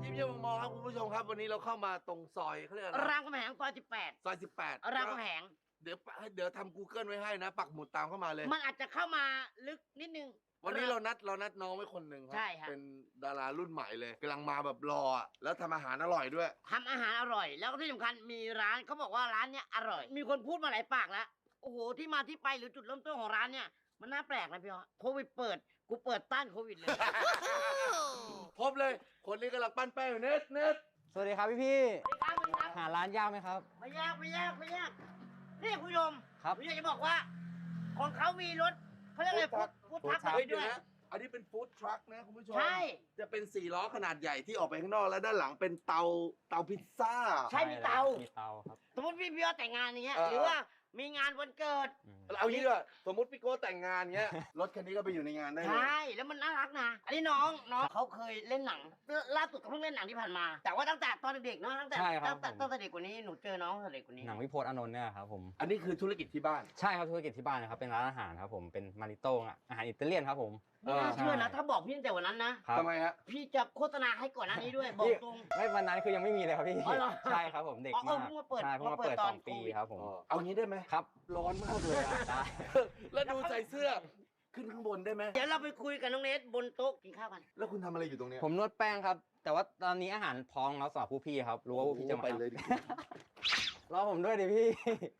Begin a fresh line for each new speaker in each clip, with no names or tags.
ยิ้มเยี่ยมมองครับคุณผู้ชมครับวันนี้เราเข้ามาตรงซอยเขาเรียกอะไร
รามคำแหงซอย18
ซอย18
รามคำแหง
เดี๋ยวทำ Google ไว้ให้นะปักหมุดตามเข้ามาเลย
มันอาจจะเข้ามาลึกนิดนึง
วันนี้เรานัดน้องไว้คนหนึ่งครั
ใช่ครับ
เป็นดารารุ่นใหม่เลยกำลังมาแบบรอแล้วทำอาหารอร่อยด้วย
ทำอาหารอร่อย แล้วก็ที่สำคัญมีร้านเขาบอกว่าร้านเนี้ยอร่อย มีคนพูดมาหลายปากแล้วโอ้โหที่มาที่ไปหรือจุดเริ่มต้นของร้านเนี่ยมันน่าแปลกนะพี่ฮะโควิดเปิดกูเปิดต้านโควิดเลย
พบเลยคนนี้กำลังปั้นแป้งอยู่เน็ต
สวัสดีครับพี่
สวัสดีครับสวัสดีครับ
หาร้านยากไหมครับ
ไม่ยากนี่คุณผู้ชม
ครับ
ผมอยากจะบอกว่า ของเขามีรถเขาเรียกอะไรฟู้ดทัก
food truck
เฮ้ยเดี๋
ด้
ยว
วย
นะอันนี้เป็นฟู้ดทรัคนะคุณผู้ชม
ใช่
จะเป็น4 ล้อขนาดใหญ่ที่ออกไปข้างนอกแล้วด้านหลังเป็นเตาพิซซ่า
ใช่มีเตา
มีเตาครับ
สมมติพี่ว่าแต่งงานอย่างเงี้ย
เออ
หรือว่ามีงานวันเกิด
เอางี้ด้วยสมมติพี่โก้แต่งงานเงี้ยรถคันนี้ก็ไปอยู่ในงานได้เลย
ใช่แล้วมันน่ารักนะอันนี้น้องเขาเคยเล่นหนังล่าสุดก็เพิ่งเล่นหนังที่ผ่านมา แต่ว่าตั้งแต่ตอนเด็กๆเนาะตั้งแต่
ใช่ครับ
ตั้งแต่เด็กกว่านี้หนูเจอน้องตั้งแต่เด็กกว่านี้
หนังวิพจน์อานนท์เนี่ยครับผม
อันนี้คือธุรกิจที่บ้าน
ใช่ครับธุรกิจที่บ้านนะครับ เป็นร้านอาหารครับผม เป็นมาริโต้อาหารอิตาเลียนครับผม
ไม่น่า
เออ
เชื่อนะถ้าบอกพี่ตั้งแต่วันนั้นนะครับ
ทำไมฮะ
พี่จะโฆษณาให้ก่อนหน้านี้ด้วยบอกตรง
ไม่วันนั้นคือยังไม่มีเลยครับพี่
อ๋อเหรอ
ใช่ครับผมเด็ก
อ๋อ
มาก
เพิ่งมาเปิด
ใช่เพิ่งมาเปิด
ตอน
2 ปี
โควิด
ครับผม
เอางี้ได้ไหม
ครับ
ร้อนมากเลยอะ
ได้
แล้วดูใส่เสื้อขึ้นข้างบนได้ไหม
เดี๋ยวเราไปคุยกับน้องเนทบนโต๊ะกินข้าวกัน
แล้วคุณทำอะไรอยู่ตรงเนี้ย
ผมนวดแป้งครับ แต่ว่าตอนนี้อาหารพร้อมแล้วสำหรับผู้พี่ครับ รู้ว่าผู้พี่จะมา
ไปเลยดิ
รอผมด้วยดิพี่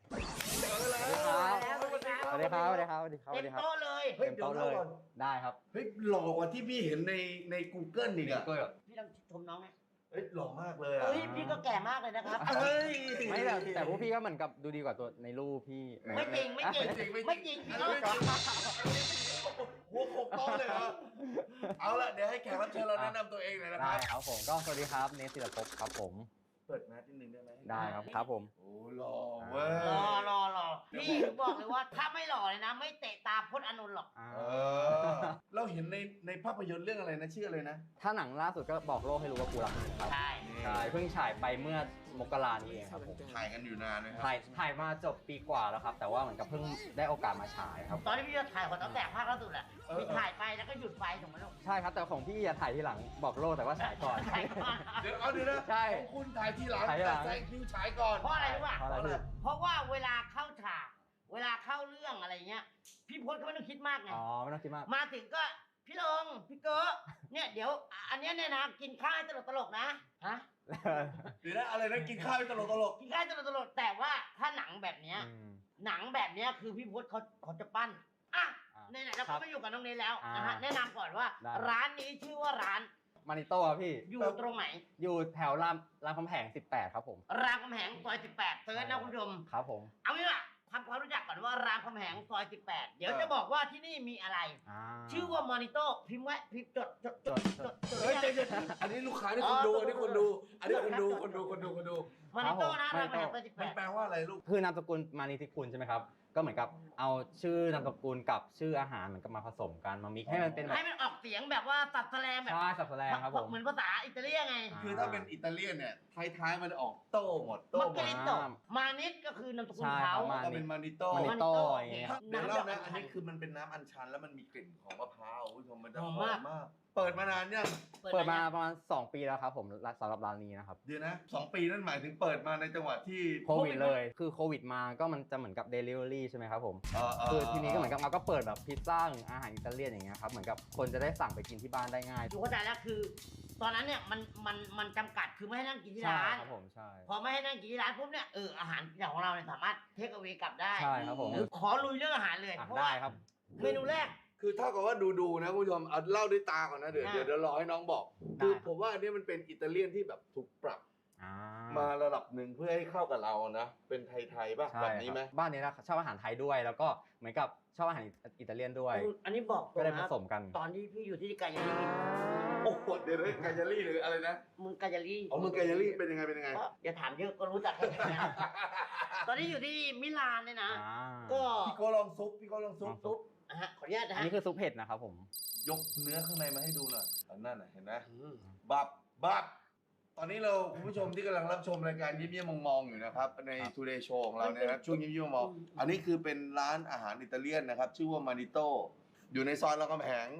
แล้วสวัสดีครับ
สวัสดีครับสวัสดีครับสวัสดีครับส
เต็
วัส
ม
ดีครับ
โต๊ะเลย
เฮ้ย
เต็มโต๊ะเลย
เดี๋ยวก่อน
ได้ครับ
เฮ้ยหล่อกว่าที่พี่เห็นใน Google อีกอะ
พี่ต้องชมน้องไหม
เฮ้ยหล่อมากเลยอะ
เฮ้ยพี่ก็แก่มากเลยนะครับ
เฮ้ย
ไม่แต่พวกพี่ก็เหมือนกับดูดีกว่าตัวในรูปพี่
ไม่จริงไม่จริงไม่จริงพี่ก็
หัวโขกโต๊ะเลยเหรอเอาละเดี๋ยวให้แขกรับเชิญเราแนะนำตัวเองหน่อยนะค
ได้
รับ
ครับผมก็สวัสดีครับเนสศิลปภพครับผม
เปิดแมสนิดนึงได้ไหม
ได้ครับครับผม
โอ้หล่อเว้ย
รอพี่บอกเลยว่าถ้าไม่หล่อเลยนะ ไม่เตะตาพจน์อานนท์หรอก
เออเราเห็นในภาพยนตร์เรื่องอะไรนะชื่ออะไรนะ
ถ้าหนังล่าสุดก็บอกโลกให้รู้ว่ากูรักมึงครับ
ใช่
ใช่เพิ่งฉายไปเมื่อมกรานี้เองครับผม
ถ่ายกันอยู่นานไหมครับ
ถ่ายมาจบปีกว่าแล้วครับ แต่ว่าเหมือนกับเพิ่งได้โอกาสมาฉายครับ
ตอนที่พี่จะถ่ายของตั้งแต่ภาคล่าสุดแหละพี่ถ่ายไปแล้วก็หยุดไฟถูกไหมลูก
ใช่ครับแต่ของพี่จะถ่ายทีหลังบอกโลกแต่ว่าฉายก่อน
ถ่ายก่อน
เดี๋ยวนะ
ใช่
ของคุณถ่ายทีหลัง
ถ่ายทีหลัง
แต่แซงคิวฉายก่อน
เพราะอะไรรู้ป่ะ
เพราะอะไรพี่
เพราะว่าเวลาเข้าฉากเวลาเข้าเรื่องอะไรเงี้ยพี่พจน์ก็ไม่ต้องคิดมากไง
อ๋อไม่ต้องคิดมาก
มาถึงก็พี่ลงพี่เก๋เนี่ยเดี๋ยวอันเนี้ยเนี่ยนะกินข้าวให้ตลกๆนะฮะ
เดี๋ยวนะอะไรนะกินข้าวตลก
กินข้าวตลกๆแต่ว่าถ้าหนังแบบเนี้ย หนังแบบเนี้ยคือพี่พจน์เขาจะปั้นอ่ะ
อ่ะ
ไหนๆเรา
ครั
ก็
บ
มาอยู่กับน้องเนยแล้ว
อ่าน
นะฮะแนะนำก่อนว่า
ได้
ร้านนี้ชื่อว่าร้าน
มานิโต้ครับพี่
อยู่ตรงไหน
อยู่แถวรามคำแหง18ครับผม
รามคำแหงซอย18เซิร์ชนะคุณผู้ชม
ครับผม
เอางี้ล่ะทำความรู้จักก่อนว่ารามคำแหงซอย18เดี๋ยวจะบอกว่าที่นี่มีอะไร ชื่อว่ามอนิโต้พิมพ์ไว้พิมพ์จด
ๆเฮ้ยใจเย็นอันนี้ลูกค้านี่คนดูอันนี้คนดูอันนี้คนดู
มอนิโต้นะ
ครั
ราม
บผม
คำแหงซอย
มันแปล
18
ว่าอะไรลูก
คือนามสกุลมานิธิคุณใช่ไหมครับ ก็เหมือนกับเอาชื่อนามสกุลกับชื่ออาหารเหมือนกับมาผสมกันมามิกให้มันเป็นแบบ
ให้มันออกเสียงแบบว่าตัดแสลงแบบ
ใช่สับแสลงครับผม
เหมือนภาษาอิตาเลียนไง
คือถ้าเป็นอิตาเลียนเนี่ยท้ายๆมันออกโต้หมดโต้
มัก
หม
เก
ด
ลิโตมานิดก็คือนามสกุล
ใช่ค
เขา
รับมา
ก็เป็นมานิโต้
มานิโต้อย่างเงี้ย
เดี๋ยวเล่านะอัน
นี้
นี้คือมันเป็นน้ำอัญชันแล้วมันมีกลิ่นของมะพร้าวคุณผู้ชมมันจะ
ห
ห
อ
อ
ม
ม
มาก
มากเปิดมานานยัง
เปิดมาประมาณ2 ปีแล้วครับผมสำหรับร้านนี้นะครับ
เดี๋ยวนะ2 ปีนั่นหมายถึงเปิดมาในจังหวะที่
โควิดเลย คือโควิดมาก็มันจะเหมือนกับ Delivery ใช่ไหมครับผม
เ
คือทีนี้ก็เหมือนกับเราก็เปิดแบบพิซซ่าหรืออาหารอิตาเลียนอย่างเงี้ยครับ เหมือนกับคนจะได้สั่งไปกินที่บ้านได้ง่าย
อยู่เข้าใจแล้วคือ ตอนนั้นเนี่ยมันจำกัดคือไม่ให้นั่งกินที่
ใช่
ร้าน
ครับผมใช่
พอไม่ให้นั่งกินที่ร้านปุ๊บเนี่ยอาหารของเราเนี่ยสามารถเทคเอาไว้กลับได้
ใช่ครับผม
ขอลุยเรื่องอาหารเลย
อ่ะ
เพราะ
ได้
ว่า
ครับ
เมนูแรก
คือเท่ากับว่าดูนะคุณผู้ชมเอาเล่าด้วยตาก่อนนะเดี๋ยวรอให้น้องบอก
ได้
คือผมว่าอันนี้มันเป็นอิตาเลียนที่แบบถูกปรับ
อ่า
มาระดับหนึ่งเพื่อให้เข้ากับเรานะเป็นไทยๆป่ะ
ใช่
แบบนี้ไหม
ครับบ้านนี้นะชอบอาหารไทยด้วย แล้วก็เหมือนกับชอบอาหารอิตาเลียนด้วย
อันนี้บอกตร
ก็
ง
ได้ผ
นะ
สมกัน
ตอนที่พี่อยู่ที่กายาลี
โอ้โหเดี๋ยวกายาลี่หรืออะไรนะ
มึงกายาลี
อ๋อมึงกายาลี่เป็นยังไงเป็นยังไง
ก็อย่าถามเยอะก็รู้จักแค่นั้นตอนนี้อยู่ที่มิลานเนี่ยนะ
อ่า
ก็
พี่โก้ลองซุปซุป
ขออนุญาตนะ
อัน
ฮะ
นี้คือซุปเห็ดนะครับผม
ยกเนื้อข้างในมาให้ดูหน่อยอันนั้นน่ะเห็นไหมบับตอนนี้เราคุณผู้ชมที่กำลังรับชมรายการยิ้มเยี่ยมมองๆอยู่นะครับใน Today Show ของเราเนี่ยนะช่วงยิ้มเยี่ยมมองอันนี้คือเป็นร้านอาหารอิตาเลียนนะครับชื่อว่ามานิโต้อยู่ในซอยรามคำแหง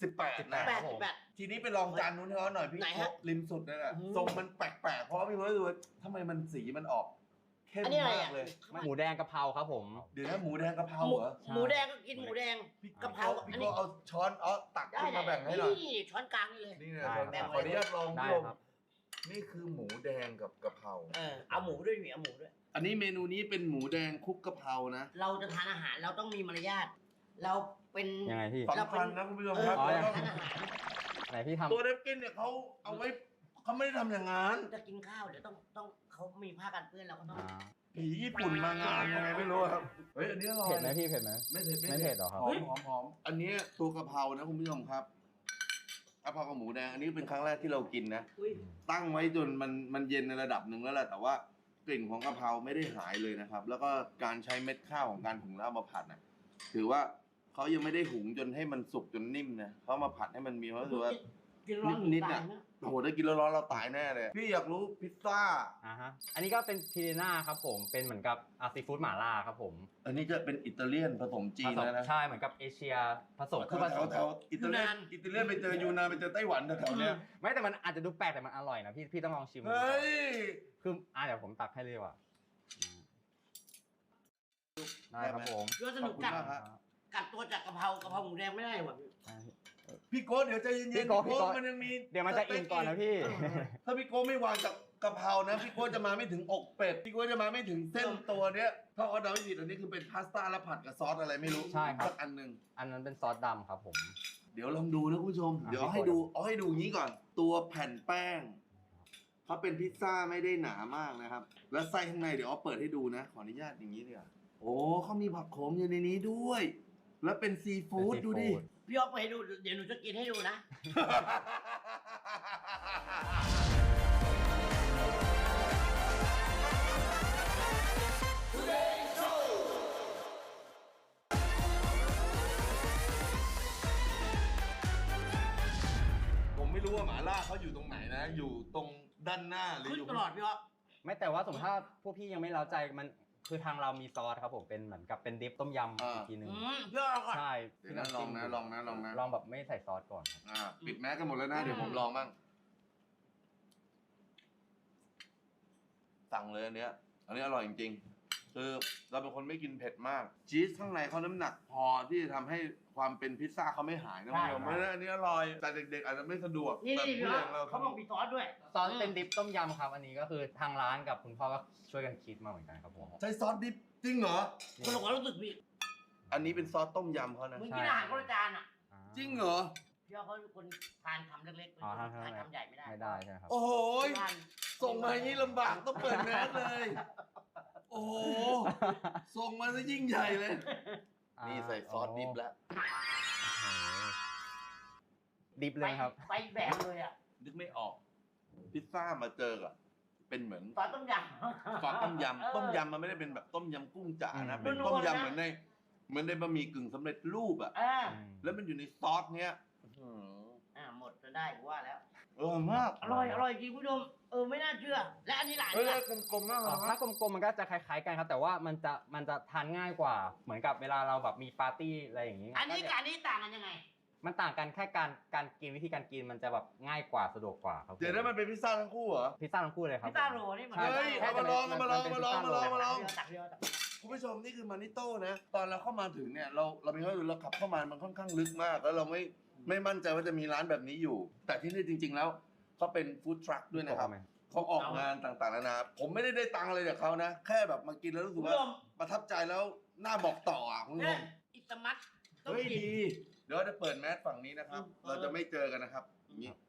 18 นะ
แปดสิบแปด
ทีนี้ไปลองจานนู้นให้เขาหน่อยพี่
ไหนฮะ
ริมสุดนั่นแหละ
อืม
ทรงมันแปลกๆเพราะว่าพี่รู้สึกว่าทำไมมันสีมันออกเข้ม
อันนี้อะไร
มา
อ่ะ
กเลย
หมูแดงกะเพราครับผม
เดี๋ยวนะหมูแดงกะเพรา
หมู
เหรอ
หมูแดงก็กินหมูแดง
พี่
กะเพรา
พี่
อันนี้
ก็เอาช้อนตัก
ได้
ขึ้นมาแบ่งให้หน่อย
นี่ช้อนกลางนี่เลย
นี่นะ
ได้
ช้อน
ครับ
ขออนุญาตลอง
ได้
พี่ลม
ครับ
นี่คือหมูแดงกับกะเพรา
เอาหมูด้วยเอาหมูด้วย
อันนี้เมนูนี้เป็นหมูแดงคลุกกะเพรานะ
เราจะทานอาหารเราต้องมีมารยาทเราเป็น
ยังไงพี่
สำคัญนะคุณผู้ชมครับ
อ๋อ
ทานอาหาร
ไหนพี่ทำ
ตัวเดฟกินเนี่ยเขาเอาไว้เขาไม่ได้ทำอย่างนั้น
จะกินข้าวเดี๋ยวต้องเขามีผ้ากันเปื้อนเราก็ต้อง
อ่า
ผีญี่ปุ่นมางานยังไงไม่รู้ครับ เฮ้ยอันนี้อร่อย
เผ็ดไหมพี่เผ็ดไหม
ไม่เผ็ด
ไม่เผ็ดเหรอครับ
หอมหอมอันนี้ตัวกะเพรานะคุณผู้ชมครับกะเพรากับหมูแดงอันนี้เป็นครั้งแรกที่เรากินนะ
อุ้ย
ตั้งไว้จนมันเย็นในระดับหนึ่งแล้วแหละแต่ว่ากลิ่นของกะเพราไม่ได้หายเลยนะครับ แล้วก็การใช้เม็ดข้าวของการหุงแล้วเอามาผัดนะถือว่าเขายังไม่ได้หุงจนให้มันสุกจนนิ่มนะเขามาผัดให้มันมีความรู้สึกว่า
กินร้อน
นิดๆ
ตา
อะ
ยนะ
โอ้โหถ้ากินร้อนๆเราตายแน่เลย พี่อยากรู้พิซซ่า
อ่าฮะ อันนี้ก็เป็นพิเรน่าครับผม เป็นเหมือนกับซีฟู้ดหม่าล่าครับผม
อันนี้จะเป็นอิตาเลียนผสมจี
ผ
น
สม
แล้วนะ
ใช่เหมือนกับเอเชียผสมคือผสม
แถวๆอิตาเลียนไปเจอยูนานไปเจอไต้หวันแถวๆเนี้ย
ไม่แต่มันอาจจะดูแปลกแต่มันอร่อยนะพี่ต้องลองชิมดู
เฮ้ย
คือเดี๋ยวผมตักให้เลยดีกว่าได้ครับผม
เยอะส
ขอ
นุ
บ
ก
คุณ
กัด
มากครับ
กัดตัวจากกะเพราหมูแดงไม่ได้ว่ะพี่
พี่โก้เดี๋ยวใจเย็นๆ
พี่โก้
มันยังมี
เดี๋ยวมันจะอิ่มก่อนนะพี่
ถ้าพี่โก้ไม่วางจากกะเพรานะพี่โก้จะมาไม่ถึงอกเป็ดพี่โก้จะมาไม่ถึงเส้นตัวเนี้ยถ้าเอาเดาไม่ผิดอันนี้คือเป็นพาสต้าแล้วผัดกับซอสอะไรไม่รู้
ใช่ครับ
สักอันหนึ่ง
อันนั้นเป็นซอสดำครับผม
เดี๋ยวลองดูนะคุณผู้ชม
อ่ะ
เดี๋ยวให้ดูเอาให้ดูอย่างนี้ก่อน ตัวแผ่นแป้งเขาเป็นพิซซ่าไม่ได้หนามากนะครับ แล้วไส้ข้างในเดี๋ยวเอาเปิดให้ดูนะ ขออนุญาตอย่างนี้เนี่ยโอ้เขามีผักโขมอยู่ในนี้ด้วย แล้วเป็นซีฟู้ดดูดิ
พี่อ๊อฟไปให้ดูเดี๋ยวหนูจะกินให้ดูนะ
ผมไม่รู้ว่าหมาล่าเขาอยู่ตรงไหนนะ อยู่ตรงด้านหน้าหรือ
ขึ้น
อยู่
ตลอดพี่อ๊อฟ
ไม่แต่ว่าสมมติถ้าพวกพี่ยังไม่เล้าใจมันคือทางเรามีซอสครับผมเป็นเหมือนกับเป็นดิปต้มยำอีกทีหนึ่ง
พี่อ๊อฟเอาก่อน
ใช่
เดี๋ยวนะลองนะลองนะลองนะ
ลองแบบไม่ใส่ซอสก่อนครับ
ปิดแมสกันหมดแล้วนะ เดี๋ยวผมลองบ้าง สั่งเลยอันเนี้ย อันนี้อร่อยจริงๆ คือเราเป็นคนไม่กินเผ็ดมาก ชีสข้างในเขาน้ำหนักพอที่จะทำให้ความเป็นพิซซ่าเขาไม่หายนะคุณผู้ชมเพราะฉะนั้นอันนี้อร่อย แต่เด็กๆอาจจะไม่สะดวก
นี่
แต่
นี่พี่
ผู้
อ๊
ให
อ
ญ่
ฟ
เรา
เขาบอกมีซอสด้วย
ซอสเป็นดิปต้มยำครับ อันนี้ก็คือทางร้านกับคุณพ่อก็ช่วยกันคิดมาเหมือนกันครับผม
ใช้ซอสดิบจริงเหรอ
คนละความรู้สึกพี่
อันนี้เป็นซอสต้มยำเขานะ
มึงกินอาหารคนละจานอ่ะ
จริงเหรอ
พี่อ๊อฟเขาเป็นคนทานคำเล็กๆเป็น
อ๋อ
คน
ทาน
ทาน
คำ
คำใหญ่ไม่ได้
ไม่ได้ใช่ไหมครับ
โอ้โหย
ทาน
ส่งมาอย่างนี้ลำบากต้องเปิดแมสเลย โอ้โห ส่งมาซะยิ่งใหญ่เลย นี่ใส่ซอสดิบแล้ว
ดิบเลยครับ
ไปแบบเลยอ่ะ
นึกไม่ออก พิซซ่ามาเจอกับเป็นเหมือน
ซอสต้มยำ
ซอสต้มยำ ต้มยำมันไม่ได้เป็นแบบต้มยำกุ้งจ๋านะ
อืม
เป็นต้มยำเหมือนในบะหมี่กึ่งสำเร็จรูปอะ แล้วมันอยู่ในซอสเนี้ยอื้อหือ
หมดจนได้กูว่าแล้ว
อร่อยมาก
อร่อยจริงคุณผู้ชมไม่น่าเชื่อ และอันนี้หลาน
เฮ้ย
นี่ล่ะ
กลมๆมากเลย
ถ้ากลมๆมันก็จะคล้ายๆกันครับ แต่ว่ามันจะทานง่ายกว่า เหมือนกับเวลาเราแบบมีปาร์ตี้อะไรอย่างนี้
อันนี้
ก็
กับอันนี้ต่างกันยังไง
มันต่างกันแค่การกินวิธีการกินมันจะแบบง่ายกว่าสะดวกกว่าครับผม
เดี๋ยวนั้นมันเป็นพิซซ่าทั้งคู่เหรอ
พิซซ่าทั้งคู่เลยครับ
พิซซ่าโรลนี่เหมือน
ใช่
เฮ้ย
แค่
เอามาลองเอามาลอง
นป็น
เอามาลอง
พิซซ่โ
เอามาลอง
ตักเดียวตักเดียว
คุณผู้ชมนี่คือมานิโต้นะ ตอนเราเข้ามาถึงเนี่ยเรามีความรู้สึกเราขับเข้ามามันค่อนข้างลึกมาก แล้วเราไม่มั่นใจว่าจะมีร้านแบบนี้อยู่ แต่ที่นี่จริง ๆ แล้วเขาเป็นฟู้ดทรัคด้วยนะครับ
ไหม
เขาออกงานต่างๆนานาผมไม่ได้ตังค์อะไรจากเขานะ แค่แบบมากินแล้วรู้
คุ
สึ
ณ
ก
ผู้
ว่า
ชม
ประทับใจแล้วน่าบอกต่ออ่ะคุณผู้ช
เนี่ย
ม
อิตามัสต้อง
เฮ้ย
กิน
ดี เดี๋ยวเราจะเปิดแมสฝั่งนี้นะครับ เราจะไม่เจอกันนะครับอย่างนี้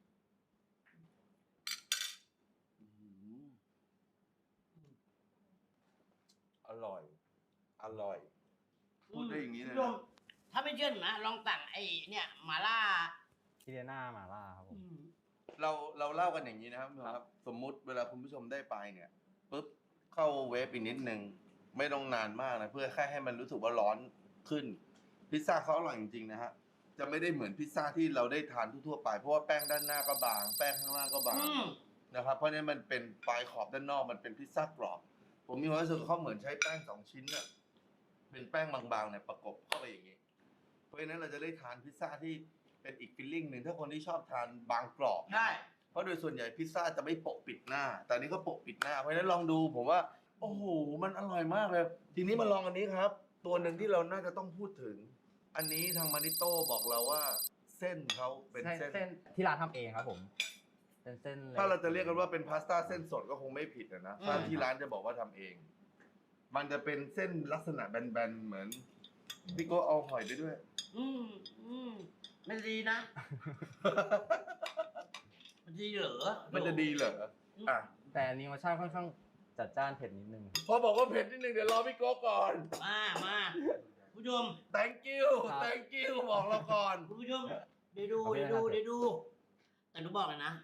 อร่อย อร่อย พูดได้อย่างนี้เลย
คุณผู้ช
นะ
มถ้าไม่เชื่อหนูนะลองสั่งไอ้เนี่ยหมาล่า
พิเรน่ามาล่าครับผม
เราเล่ากันอย่างนี้นะครับคุณผู้ชมครับ สมมุติเวลาคุณผู้ชมได้ไปเนี่ยปุ๊บเข้าเวฟอีกนิดนึงไม่ต้องนานมากนะเพื่อแค่ให้มันรู้สึกว่าร้อนขึ้น พิซซ่าเขาอร่อยจริงๆนะฮะจะไม่ได้เหมือนพิซซ่าที่เราได้ทานทั่วๆไปเพราะว่าแป้งด้านหน้าก็บาง แป้งข้างล่างก็บาง
อืม
นะครับเพราะฉะนั้นมันเป็นปลายขอบด้านนอกมันเป็นพิซซ่ากรอบผมมีความรู้สึกว่าเขาเหมือนใช้แป้ง2 ชิ้นน่ะเป็นแป้งบางๆเนี่ยประกบเข้าไปอย่างนี้ เพราะฉะนั้นเราจะได้ทานพิซซ่าที่เป็นอีกฟีลลิ่งหนึ่งถ้าคนที่ชอบทานบางกรอบ
ใช่
เพราะโดยส่วนใหญ่พิซซ่าจะไม่โปะปิดหน้า แต่อันนี้ก็โปะปิดหน้า เพราะฉะนั้นลองดูผมว่า โอ้โห มันอร่อยมากเลย ทีนี้มาลองอันนี้ครับ ตัวหนึ่งที่เราน่าจะต้องพูดถึง อันนี้ทางมานิโต้บอกเราว่าเส้นเขาเป็นเส้น
เส้นที่ร้านทำเองครับผมเป็นเส้น
ถ้าเราจะเรียกกันว่าเป็นพาสต้าเส้นสดก็คงไม่ผิดนะถ้าที่ร้านจะบอกว่าทำเอง มันจะเป็นเส้นลักษณะแบนๆเหมือนพี่โก้เอาหอยไปด้วย
มันดีนะ มันดีเหรอ
มันจะดีเหรออ่ะ
แต่อันนี้รสชาติค่อนข้างจัดจ้านเผ็ดนิดนึง
พอบอกว่าเผ็ดนิดนึงเดี๋ยวรอพี่โก้ก่อน
มาผู้ชม
thank you
ครับ
thank you บอกเราก่อน
คุณผู้ชมเดี๋ยวดู
โอเค
เดี๋ยวดู
ครับ
เดี๋ยวดู แต่หนูบอกเลยนะ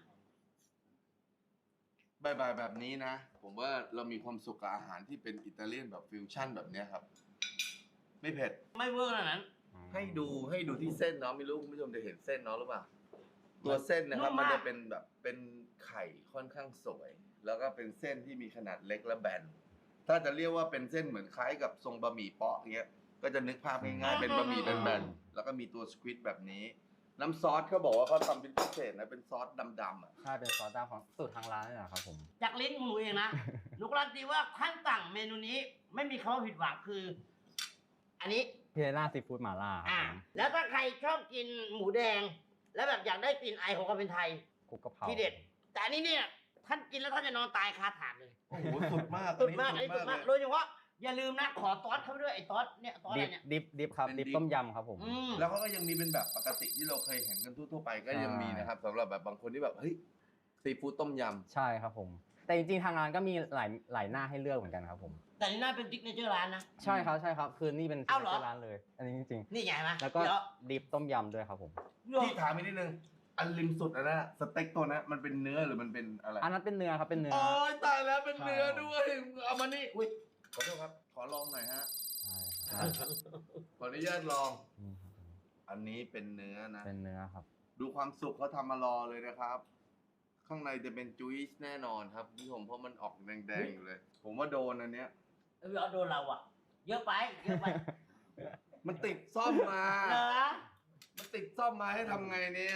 บ่ายๆแบบนี้นะ ผมว่าเรามีความสุขกับอาหารที่เป็นอิตาเลียนแบบฟิวชั่นแบบเนี้ยครับ ไม่เผ็ด
ไม่เวอร์ขนาดนั้น
ให้ดูที่เส้นเนาะไม่รู้คุณผู้ชมจะเห็นเส้นเนาะหรือเปล่า ตัวเส้นนะครับ
นุ่ม
มัน
มาก
จะเป็นแบบเป็นไข่ค่อนข้างสวย แล้วก็เป็นเส้นที่มีขนาดเล็กและแบน ถ้าจะเรียกว่าเป็นเส้นเหมือนคล้ายกับทรงบะหมี่เปาะเงี้ย ก็จะนึกภาพง่ายๆเป็นบะหมี่แบนๆแล้วก็มีตัวสควิดแบบนี้ น้ำซอสเขาบอกว่าเขาทำเป็นพิเศษนะเป็นซอสดำๆอ่ะ
ใช่เป็นซอสดำของสูตรทางร้านนี่แหละครับผม
จากลิ้นของหนูเองนะ หนูการันตีว่าขั้นสั่งเมนูนี้ ไม่มีคำว่าผิดหวังคือ อันนี้
พิเรล่าซีฟู้ดหม่าล่าครับผม
แล้วถ้าใครชอบกินหมูแดง แล้วแบบอยากได้กลิ่นไอของความเป็นไทย
คลุกกะเพรา
ที่เด็ด แต่อันนี้เนี่ยท่านกินแล้วท่านจะนอนตายคาถาดเลย
โอ้โหสุดมาก
สุดมากอันนี้สุดมาก
เลย
โดยเฉพาะอย่าลืมนะขอซอสเข้าไปด้วยไอ้ซอสเนี่ยซอสอะไรเนี่ย
ดิฟครับ
เป็น
ดิฟ
ดิฟ
ต้มยำครับผม
แล้วเขาก็ยังมีเป็นแบบปกติที่เราเคยเห็นกันทั่วๆไปก็ยังมีนะครับสำหรับแบบบางคนที่แบบเฮ้ยซีฟู้ดต้มยำ
ใช่ครับผม แต่จริงๆทางร้านก็มีหลายหน้าให้เลือกเหมือนกันครับผม
แต่นี่น่าเป็นติ๊กเนเจอร์ร้านนะ
ใช่ครับคือนี่เป็น
เอ้าเหรอ
ที่ร้านเลย อันนี้จริง
นี่ไงไหม
ๆแล้วก็
เดี๋ยว
ดิฟต้มยำด้วยครับผม
ที่ถามอีกนิดนึง อันริมสุดนะสเต็กตัวนั้นมันเป็นเนื้อหรือมันเป็นอะไร
อันนั้นเป็นเนื้อครับเป็นเนื้อ
โอ้ยตายแล้วเป็นเนื้อ
ใช่
ด้วย เอามานี่อุ้ยขอโทษครับ ขอลองหน่อยฮะ
ใช่ครับ
ขออนุญาตลอง
นี่ครับผม
อันนี้เป็นเนื้อนะ
เป็นเนื้อครับ
ดูความสุกเขาทำมารอเลยนะครับ ข้างในจะเป็นจุ้ยส์แน่นอนครับคุณผู้ชมเพราะมันออกแดงๆอยู่เลย ผมว่าโดนอันเนี้ย
เอาโดนเราอ่ะ เยอะไปเยอะไป
มันติดซ่อมมา
เหรอ
มันติดซ่อมมาให้ทำไงเนี่ย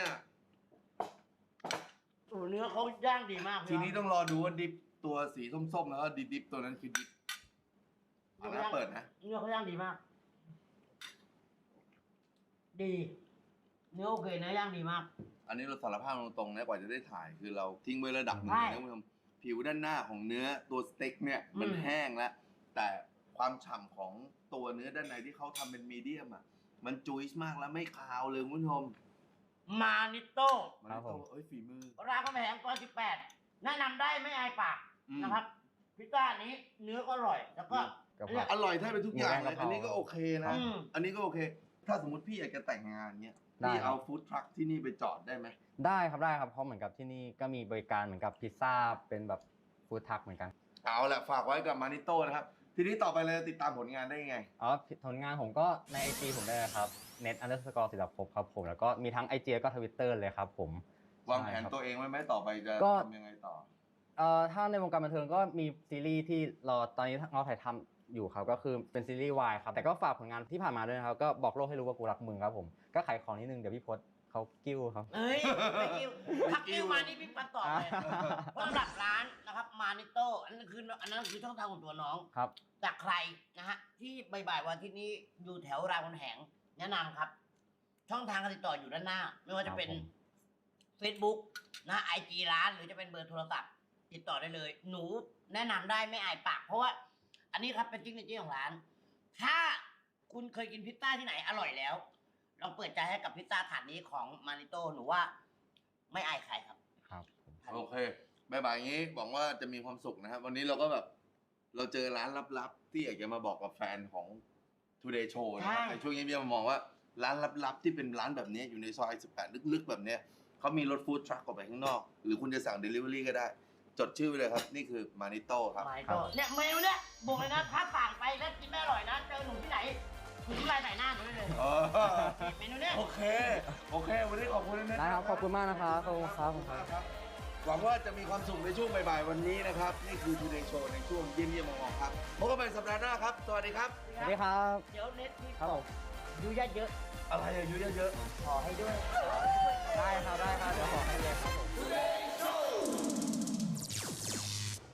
โอ้เนื้อเขาย่างดีมาก
ทีนี้ต้องรอดูว่าดิฟตัวสีส้มๆแล้วก็ดิฟตัวนั้นคือดิฟเอาละเปิดนะ
เนื้อเขาย่างดีมาก ดี เนื้อโอเคเนื้อย่างดีมาก
อันนี้เราสารภาพตรงๆนะกว่าจะได้ถ่ายคือเราทิ้งไว้ระดับหนึ่ง
ใช่
นะคุณผู้ชมผิวด้านหน้าของเนื้อตัวสเต็กเนี่ยมัน
อืม
แห้งแล้วแต่ความฉ่ำของตัวเนื้อด้านในที่เขาทำเป็นมีเดียมอ่ะมันจุยส์มากแล้วไม่คาวเลยคุณผู้ชม
มานิโต้
มัน
ครับผม
เอ้ยฝีมือ
รามคำแหงซอย18 แนะนำได้ไม่อายปาก
อืม
นะครับ พิซซ่านี้เนื้อก็อร่อย แล้วก็
กะเพรา
อร่อยแทบเป็นทุกอย่างเลย
หมูแดงกะเพรา
อันนี้ก็โอเคนะ
อืม
อันนี้ก็โอเค ถ้าสมมติพี่อยากจะแต่งงานเนี่ย
ได้
พี่
ครับ
เอาฟู้ดทรัคที่นี่ไปจอดได้ไหม
ได้ครับเพราะเหมือนกับที่นี่ก็มีบริการเหมือนกับพิซซ่าเป็นแบบฟู้ดทักเหมือนกัน
เอาแหละฝากไว้กับมานิโต้นะครับ ทีนี้ต่อไปเลยติดตามผลงานได้ยังไง
อ๋อผลงานผมก็ใน IG ผมได้เลยครับ net_ศิลปภพครับผมแล้วก็มีทั้ง IG แล้วก็ Twitter เลยครับผม
วางแผน
ใช่ครับ
ตัวเองไว้ไหมต่อไปจะ
ก็
ทำยังไงต่อ
ถ้าในวงการบันเทิงก็มีซีรีส์ที่ตอนนี้เราถ่ายทำอยู่ครับก็คือเป็นซีรีส์วายครับแต่ก็ฝากผลงานที่ผ่านมาด้วยนะครับก็บอกโลกให้รู้ว่ากูรักมึงครับผมก็ขายของนิดนึงเดี๋ยวพี่พศเขากิ้วครับ
เอ้ยไม่กิ้วทักกิ้วมานี่พี่ปันต่อเลยสำหรับร้านนะครับมานิโต้อันนั้นคือช่องทางของตัวน้อง
ครับ
จากใครนะฮะที่บ่ายๆวันที่นี้อยู่แถวรามคำแหงแนะนำครับ ช่องทางการติดต่ออยู่ด้านหน้า ไม่ว่าจะเป็น
ครับผม
Facebook นะ IG ร้านหรือจะเป็นเบอร์โทรศัพท์ติดต่อได้เลย หนูแนะนำได้ไม่อายปาก เพราะว่า อันนี้ครับเป็นซิกเนเจอร์ของร้าน ถ้าคุณเคยกินพิซซ่าที่ไหนอร่อยแล้วลองเปิดใจให้กับพิซซ่าถาดนี้ของมานิโต้หนูว่าไม่อายใครครับ
ครับผม
โอเคบ่ายๆอย่างนี้หวังว่าจะมีความสุขนะครับวันนี้เราก็แบบเราเจอร้านลับๆที่อยากจะมาบอกกับแฟนของ Today Show นะครับ
ใช่
ในช่วงนี้พี่มามองว่าร้านลับๆที่เป็นร้านแบบนี้อยู่ในซอย18ลึกๆแบบเนี้ยเขามีรถฟู้ดทรัคออกไปข้างนอก หรือคุณจะสั่ง Delivery ก็ได้ จดชื่อไว้เลยครับ นี่คือมานิโต้ครับ
มานิโต้เนี่ยเมนูเนี่ยบอกเลยนะถ้าสั่งไปแล้วกินไม่อร่อยนะเจอหนูที่ไหนหนูที่ไรใส่หน้าหนูได้เลย เมนูเนี่ย
โอเค โอเค วันนี้ขอบคุณนะ
ได้ครับขอบคุณมากนะครับขอบคุณครับขอบคุณครับ
หวังว่าจะมีความสุขในช่วงบ่ายๆวันนี้นะครับ นี่คือ Today Show ในช่วงเยี่ยมๆมองๆครับพบกันใหม่สัปดาห์หน้าครับ สวัสดีครับ
สวัสดีครับ
เดี๋ยวเน็ตที่
ครับผม
ดูญาติเยอะ
อะไรอายุเยอะ
ขอให้ด้วยได้ครับเดี๋ยวขอให้